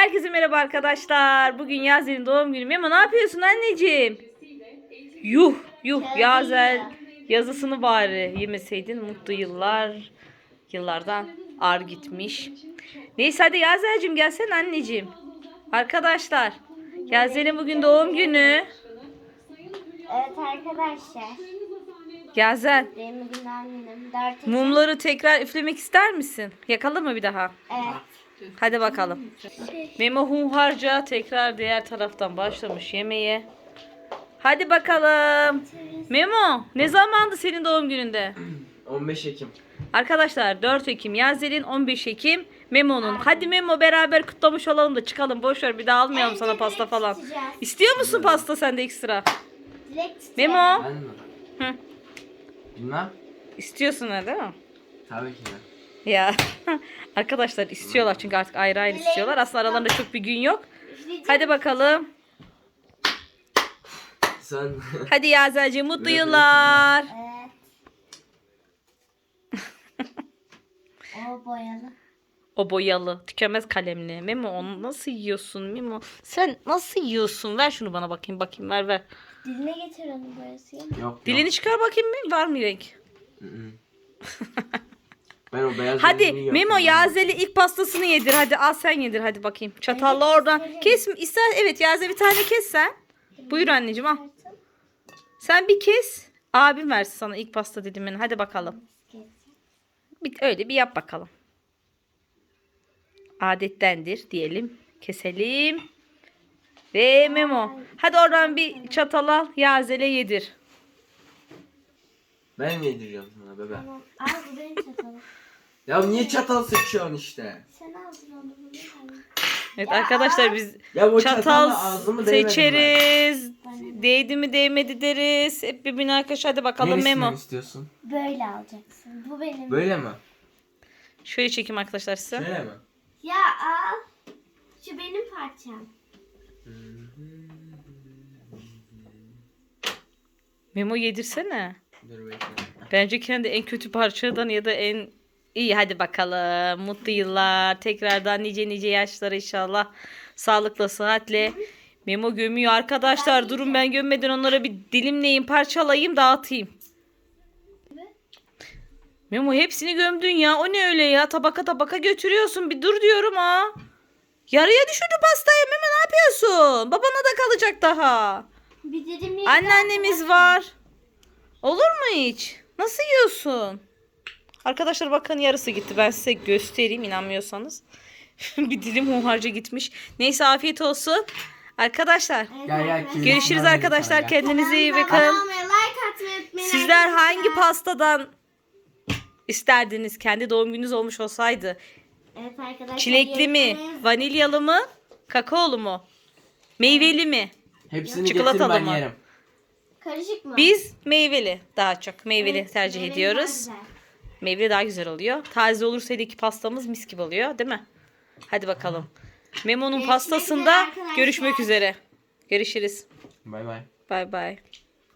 Herkese merhaba arkadaşlar. Bugün Yazel'in doğum günü. Memo ne yapıyorsun anneciğim? Yuh yuh Yazel yazısını bari yemeseydin mutlu yıllar. Yıllardan ar gitmiş. Neyse hadi Yazel'cim gelsene anneciğim. Arkadaşlar Yazel'in bugün doğum günü. Evet arkadaşlar. Yazel Benim bugün doğum günüm. 4 mumları tekrar üflemek ister misin? Yakalım mı bir daha? Evet. Hadi bakalım. Memo hunharca tekrar diğer taraftan başlamış yemeğe. Hadi bakalım. Memo ne zamandı senin doğum gününde? 15 Ekim. Arkadaşlar 4 Ekim Yazel'in, 15 Ekim Memo'nun. Hadi Memo beraber kutlamış olalım da çıkalım. Boş ver bir daha almayalım sana pasta falan. İstiyor musun pasta sende ekstra? Memo. Ben mi? Hı. Bilmem. İstiyorsun ha değil mi? Tabii ki de. Ya arkadaşlar istiyorlar çünkü artık ayrı ayrı istiyorlar. Aslında aralarında çok bir gün yok. Hadi bakalım. Sen... Hadi Yazel'ciğim mutlu yıllar. Evet. O boyalı. O boyalı, tükenmez kalemli. Memo onu nasıl yiyorsun Memo? Sen nasıl yiyorsun? Ver şunu bana bakayım. Ver. Diline getir onun boyası. Yok. Dilini çıkar bakayım mı? Var mı renk? Hı. Ben o beyaz Hadi rengini yiyorum. Memo Yazel'i ilk pastasını yedir. Hadi al sen yedir hadi bakayım. Çatalla oradan. Kes ister. Evet Yazel bir tane kes sen. Buyur anneciğim al. Sen bir kes. Abim versin sana ilk pasta dilimini. Hadi bakalım. Öyle bir yap bakalım. Adettendir diyelim. Keselim. Ve Memo. Hadi oradan bir çatal al. Yazel'e yedir. Ben mi yediriyorum sana bebe? Tamam. Al bu benim çatalım. Ya niye çatal seçiyorsun işte? Sen aldın onu bunu. Evet arkadaşlar biz Ya o çatal çatalla ağzımı değmedim seçeriz. Değdi mi değmedi deriz. Hep birbirine arkadaşlar hadi bakalım Neresinden Memo. istiyorsun? Böyle alacaksın. Bu benim. Böyle mi? Şöyle çekeyim arkadaşlar size. Şöyle mi? Ya al. Şu benim parçam. Memo yedirsene. Dur bekle. Bence kendi en kötü parçadan ya da en iyi hadi bakalım. Mutlu yıllar. Tekrardan nice yaşlar inşallah. Sağlıkla sıhhatle. Memo gömüyor arkadaşlar. Durun ben gömmeden onlara bir dilimleyeyim, parçalayayım, dağıtayım. Memo hepsini gömdün ya. O ne öyle ya? Tabaka götürüyorsun. Bir dur diyorum ha. Yarıya düşürdü pastayı. Memo ne yapıyorsun? Babana da kalacak daha. Bir dilim Anneannemiz var. Olur mu hiç? Nasıl yiyorsun? Arkadaşlar bakın yarısı gitti. Ben size göstereyim inanmıyorsanız. Bir dilim hunharca gitmiş. Neyse afiyet olsun. Arkadaşlar Gel. görüşürüz arkadaşlar. Kendinize iyi bakın. Abone olmayı, like atmayı unutmayın. Sizler arkadaşlar. hangi pastadan isterdiniz? Kendi doğum gününüz olmuş olsaydı. Evet arkadaşlar. Çilekli mi? yorumlarınızı- Vanilyalı mı? Kakaolu mu? Meyveli mi? Hepsini Çikolatalı getir ben mı? yerim. Karışık mı? Biz meyveli daha çok. Meyveli Evet, tercih meyveli ediyoruz. daha güzel. Meyveli daha güzel oluyor. Taze olursa iki pastamız mis gibi oluyor, değil mi? Hadi bakalım. Memo'nun Görüşmek pastasında üzere arkadaşlar. görüşmek üzere. Görüşürüz. Bay bay. Bay bay.